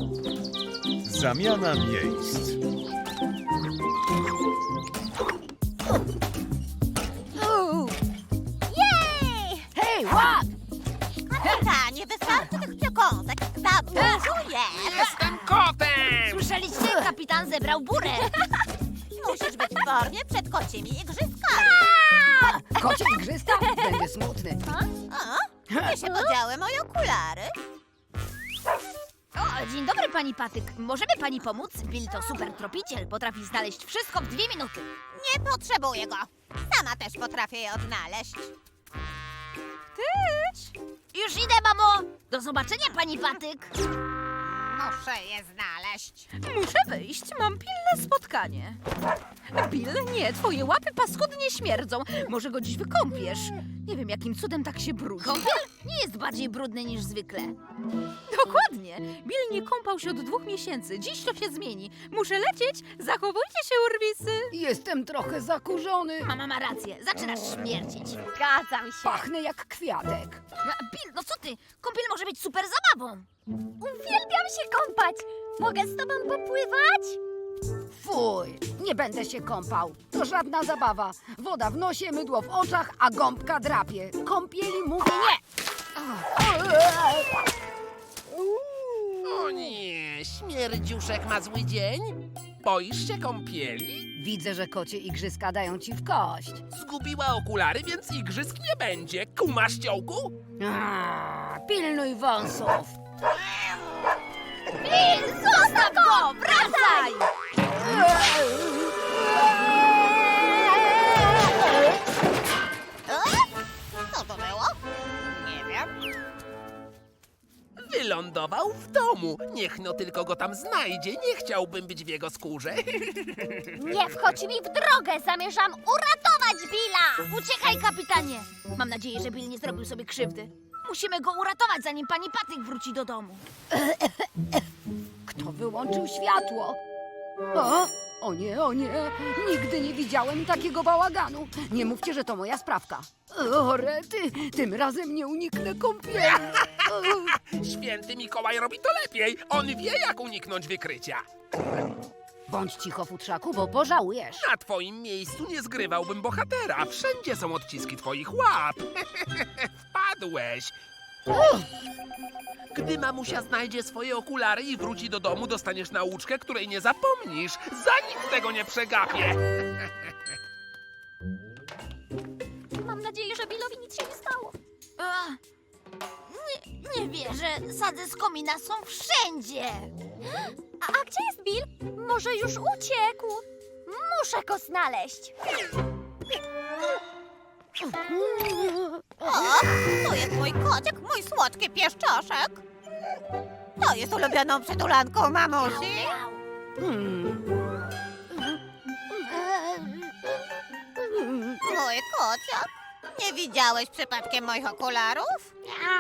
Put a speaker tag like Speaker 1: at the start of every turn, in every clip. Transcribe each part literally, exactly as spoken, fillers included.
Speaker 1: Zamiana miejsc.
Speaker 2: Jej!
Speaker 3: Hej, łap!
Speaker 2: Kapitanie, wystarczy tych przekąsek. Za dużo jest.
Speaker 4: Jestem kotem!
Speaker 3: Słyszeliście? Kapitan zebrał burę.
Speaker 2: Musisz być w formie przed kocimi igrzyskami.
Speaker 3: Kocie igrzyska? Będzie smutny.
Speaker 2: A? Gdzie się podziały moje okulary?
Speaker 3: O, dzień dobry, pani Patyk. Możemy pani pomóc? Bill to super tropiciel. Potrafi znaleźć wszystko w dwie minuty.
Speaker 2: Nie potrzebuję go. Sama też potrafię je odnaleźć.
Speaker 3: Już idę, mamo! Do zobaczenia, pani Patyk.
Speaker 2: Muszę je znaleźć.
Speaker 5: Muszę wyjść, mam pilne spotkanie. Bill, nie, twoje łapy paskudnie śmierdzą. Może go dziś wykąpiesz. Nie wiem, jakim cudem tak się brudzi.
Speaker 3: Kąpiel nie jest bardziej brudny niż zwykle.
Speaker 5: Dokładnie. Bill nie kąpał się od dwóch miesięcy. Dziś to się zmieni. Muszę lecieć. Zachowujcie się, urwisy.
Speaker 6: Jestem trochę zakurzony.
Speaker 3: Mama ma rację. Zaczynasz śmierdzić.
Speaker 2: Zgadzam się.
Speaker 6: Pachnę jak kwiatek.
Speaker 3: No, Bill, no co ty? Kąpiel może być super zabawą.
Speaker 2: Uwielbiam się kąpać. Mogę z tobą popływać?
Speaker 6: Fuj, nie będę się kąpał. To żadna zabawa. Woda w nosie, mydło w oczach, a gąbka drapie. Kąpieli mówię nie.
Speaker 4: O nie, śmierdziuszek ma zły dzień? Boisz się kąpieli?
Speaker 6: Widzę, że kocie igrzyska dają ci w kość.
Speaker 4: Zgubiła okulary, więc igrzysk nie będzie. Kumasz, ciołku?
Speaker 6: A, pilnuj wąsów.
Speaker 3: Bill, zostaw go! Wracaj!
Speaker 2: Co to było? Nie wiem.
Speaker 4: Wylądował w domu. Niech no tylko go tam znajdzie. Nie chciałbym być w jego skórze.
Speaker 2: Nie wchodź mi w drogę. Zamierzam uratować Billa.
Speaker 3: Uciekaj, kapitanie! Mam nadzieję, że Bill nie zrobił sobie krzywdy. Musimy go uratować, zanim pani Patyk wróci do domu.
Speaker 6: Kto wyłączył światło? O, o nie, o nie. Nigdy nie widziałem takiego bałaganu. Nie mówcie, że to moja sprawka. O, rety, tym razem nie uniknę kąpieli.
Speaker 4: Święty Mikołaj robi to lepiej. On wie, jak uniknąć wykrycia.
Speaker 6: Bądź cicho, futrzaku, bo pożałujesz.
Speaker 4: Na twoim miejscu nie zgrywałbym bohatera. Wszędzie są odciski twoich łap. Wpadłeś. Gdy mamusia znajdzie swoje okulary i wróci do domu, dostaniesz nauczkę, której nie zapomnisz. Za nic tego nie przegapię.
Speaker 2: Mam nadzieję, że Billowi nic się nie stało.
Speaker 3: Ach, nie, nie wierzę. Sadzy z komina są wszędzie.
Speaker 2: A, a gdzie jest Bill? Może już uciekł? Muszę go znaleźć. O, to jest mój kociek, mój słodki pieszczoszek. To jest ulubioną przytulanką mamusi.
Speaker 6: Hmm.
Speaker 2: Mój kociak. Nie widziałeś przypadkiem moich okularów?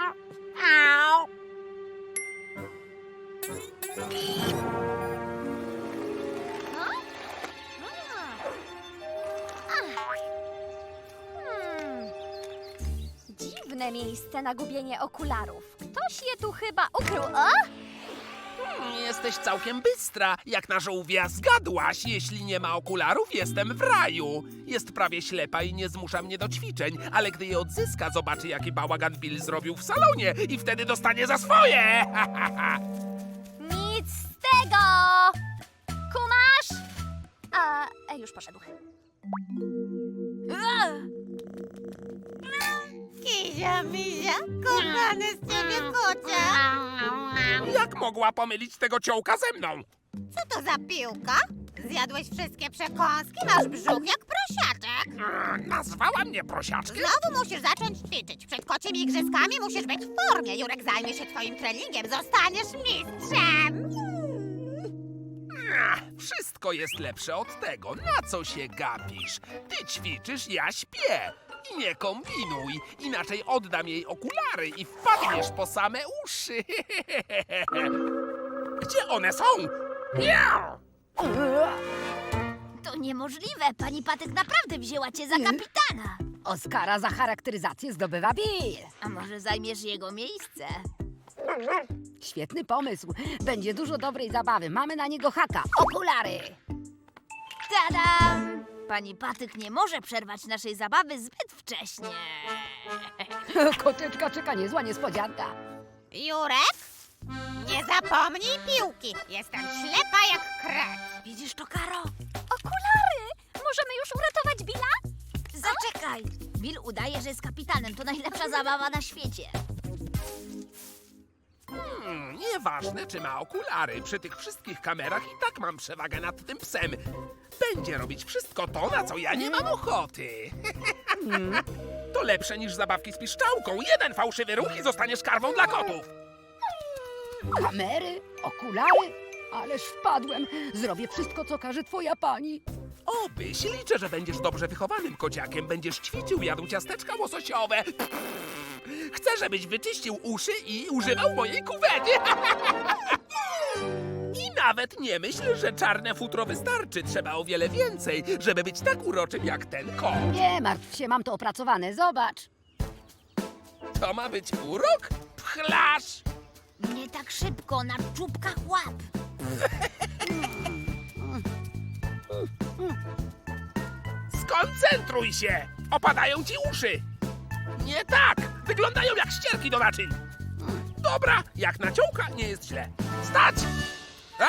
Speaker 2: Hmm. Dziwne miejsce na gubienie okularów. Ktoś je tu chyba ukrył. O!
Speaker 4: Hmm, Jesteś całkiem bystra. Jak na żółwia zgadłaś. Jeśli nie ma okularów, jestem w raju. Jest prawie ślepa i nie zmusza mnie do ćwiczeń, ale gdy je odzyska, zobaczy, jaki bałagan Bill zrobił w salonie i wtedy dostanie za swoje.
Speaker 2: Nic z tego! Kumasz? A, e, już poszedł. Kizia, mizia, kochany z ciebie kocia.
Speaker 4: Jak mogła pomylić tego ciołka ze mną?
Speaker 2: Co to za piłka? Zjadłeś wszystkie przekąski, masz brzuch jak prosiaczek.
Speaker 4: Mm, Nazwała mnie prosiaczkiem?
Speaker 2: Znowu musisz zacząć ćwiczyć. Przed kocimi igrzyskami musisz być w formie. Jurek zajmie się twoim treningiem, zostaniesz mistrzem.
Speaker 4: Ach, Wszystko jest lepsze od tego. Na co się gapisz? Ty ćwiczysz, ja śpię. I nie kombinuj, inaczej oddam jej okulary i wpadniesz po same uszy. Gdzie one są? Miau!
Speaker 3: To niemożliwe. Pani Patyk naprawdę wzięła cię za kapitana.
Speaker 6: Oskara za charakteryzację zdobywa Bill.
Speaker 3: A może zajmiesz jego miejsce?
Speaker 6: Świetny pomysł. Będzie dużo dobrej zabawy. Mamy na niego haka. Okulary!
Speaker 3: Tadam! Pani Patyk nie może przerwać naszej zabawy zbyt wcześnie.
Speaker 6: Koteczka czeka niezła niespodzianka.
Speaker 2: Jurek, nie zapomnij piłki. Jestem ślepa jak kret.
Speaker 3: Widzisz to, Karo?
Speaker 5: Okulary! Możemy już uratować Billa?
Speaker 3: Zaczekaj! Bill udaje, że jest kapitanem. To najlepsza zabawa na świecie.
Speaker 4: Hmm, nieważne, czy ma okulary. Przy tych wszystkich kamerach i tak mam przewagę nad tym psem. Będzie robić wszystko to, na co ja nie mam ochoty. To lepsze niż zabawki z piszczałką. Jeden fałszywy ruch i zostaniesz karwą dla kotów.
Speaker 6: Kamery, okulary. Ależ wpadłem. Zrobię wszystko, co każe twoja pani.
Speaker 4: Obyś, liczę, że będziesz dobrze wychowanym kociakiem. Będziesz ćwiczył, jadł ciasteczka łososiowe. Chcę, żebyś wyczyścił uszy i używał mojej kuwety. I nawet nie myśl, że czarne futro wystarczy. Trzeba o wiele więcej, żeby być tak uroczym jak ten kot.
Speaker 6: Nie martw się, mam to opracowane. Zobacz.
Speaker 4: To ma być urok? Pchlasz!
Speaker 3: Nie tak szybko, na czubkach łap.
Speaker 4: Skoncentruj się! Opadają ci uszy! Nie tak! Wyglądają jak ścierki do naczyń! Dobra, jak naciołka, nie jest źle. Stać! E?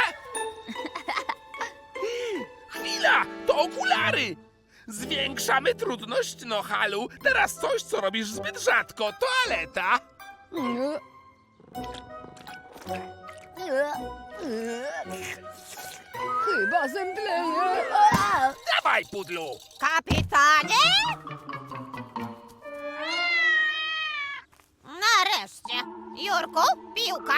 Speaker 4: Chwila! To okulary! Zwiększamy trudność, no halu. Teraz coś, co robisz zbyt rzadko. Toaleta!
Speaker 6: Chyba zemdleję.
Speaker 4: Dawaj, pudlu!
Speaker 2: Kapitanie? Nareszcie. Jurku, piłka.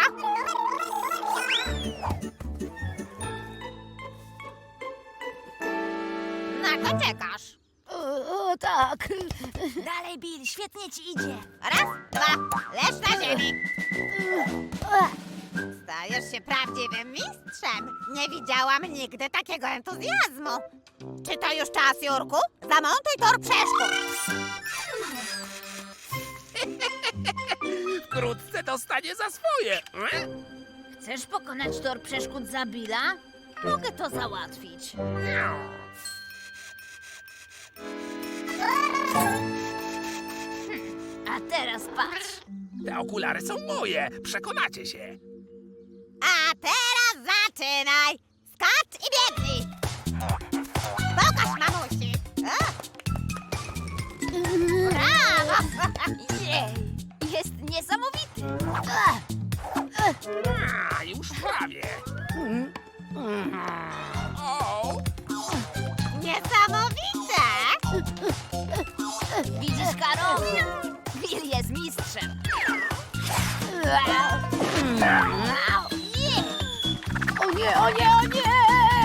Speaker 2: Na co czekasz?
Speaker 6: O, o tak.
Speaker 3: Dalej, Bill, świetnie ci idzie.
Speaker 2: Raz, dwa, leż na ziemi. Stajesz się prawdziwym mistrzem. Nie widziałam nigdy takiego entuzjazmu. Czy to już czas, Jurku? Zamontuj tor przeszkód.
Speaker 4: Wkrótce dostanie za swoje. E?
Speaker 3: Chcesz pokonać tor przeszkód za Billa? Mogę to załatwić. A teraz patrz.
Speaker 4: Te okulary są moje. Przekonacie się.
Speaker 2: A teraz zaczynaj. Skacz i biegnij. Pokaż mamusi. A? Brawo.
Speaker 3: Jej, jest niesamowity.
Speaker 4: A, już prawie. O,
Speaker 2: Niesamowite.
Speaker 3: Widzisz, Karo? Bill jest mistrzem.
Speaker 6: O nie, o nie, o nie!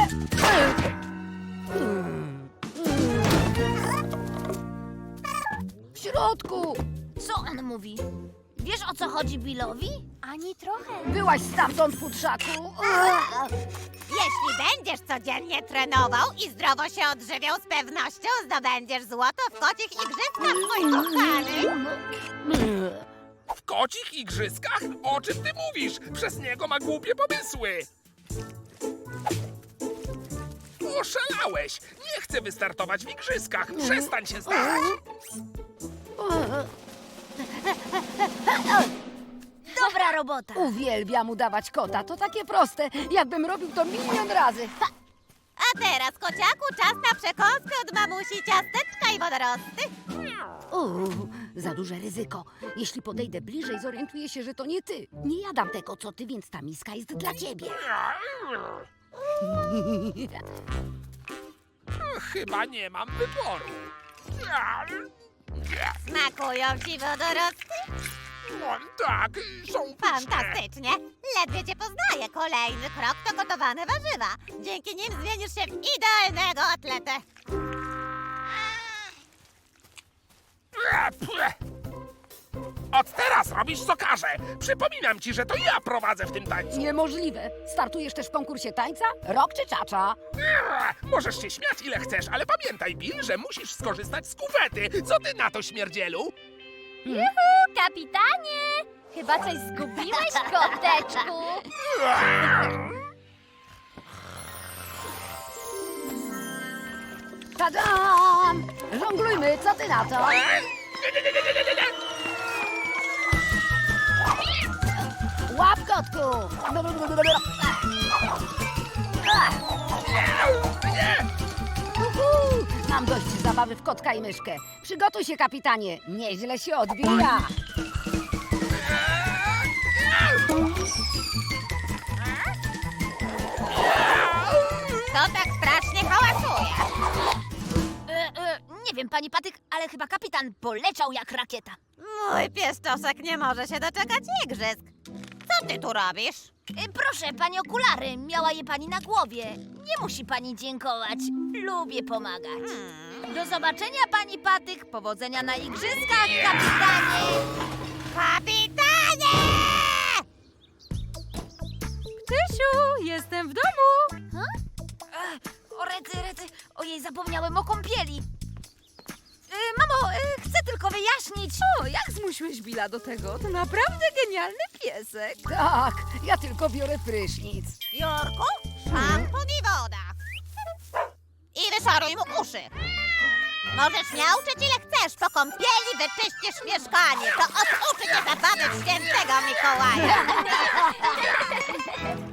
Speaker 6: W środku!
Speaker 3: Co on mówi? Wiesz, o co chodzi Billowi?
Speaker 5: Ani trochę.
Speaker 6: Byłaś stamtąd, futrzaku.
Speaker 2: Jeśli będziesz codziennie trenował i zdrowo się odżywiał, z pewnością zdobędziesz złoto w kocich igrzyskach, mój kochany.
Speaker 4: w kocich igrzyskach? O czym ty mówisz? Przez niego ma głupie pomysły. Oszalałeś! Nie chcę wystartować w igrzyskach. Przestań się starać.
Speaker 3: Dobra robota.
Speaker 6: Uwielbiam udawać kota. To takie proste, jakbym robił to milion razy. Ha!
Speaker 2: A teraz, kociaku, czas na przekąskę od mamusi, ciasteczka i wodorosty.
Speaker 6: Uuu, za duże ryzyko. Jeśli podejdę bliżej, zorientuję się, że to nie ty. Nie jadam tego, co ty, więc ta miska jest dla ciebie.
Speaker 4: Chyba nie mam wyboru.
Speaker 2: Smakują ci wodorosty?
Speaker 4: No, tak, są pyszne.
Speaker 2: Fantastycznie. Ledwie cię poznaję. Kolejny krok to gotowane warzywa. Dzięki nim zmienisz się w idealnego atletę.
Speaker 4: Od teraz robisz co każę. Przypominam ci, że to ja prowadzę w tym tańcu.
Speaker 6: Niemożliwe. Startujesz też w konkursie tańca? Rok czy czacza?
Speaker 4: Możesz się śmiać ile chcesz, ale pamiętaj, Bill, że musisz skorzystać z kuwety. Co ty na to, śmierdzielu?
Speaker 5: Kapitanie!
Speaker 3: Chyba coś zgubiłeś, koteczku.
Speaker 6: Tadam! Żonglujmy, co ty na to? Łap, kotku! Uhu, mam dość zabawy w kotka i myszkę. Przygotuj się, kapitanie. Nieźle się odbija.
Speaker 2: To tak strasznie hałasuje.
Speaker 3: E, e, nie wiem, pani Patyk, ale chyba kapitan poleciał jak rakieta.
Speaker 2: Mój pieszczosek nie może się doczekać igrzysk. Co ty tu robisz?
Speaker 3: E, proszę, pani okulary, miała je pani na głowie. Nie musi pani dziękować. Lubię pomagać.
Speaker 2: Hmm.
Speaker 3: Do zobaczenia, pani Patyk. Powodzenia na igrzyskach, kapitanie.
Speaker 2: Kapitanie!
Speaker 5: Tysiu, jestem w domu.
Speaker 3: O, rety, rety. Ojej, zapomniałem o kąpieli. E, mamo, e, chcę tylko wyjaśnić.
Speaker 5: O, jak zmusiłeś Billa do tego? To naprawdę genialny piesek.
Speaker 6: Tak, ja tylko biorę prysznic.
Speaker 2: Jurku, szampon i woda. I wyszaruj mu uszy. Możesz miauczyć ile chcesz, po kąpieli wyczyścisz mieszkanie. To oduczy cię zabawy w świętego Mikołaja.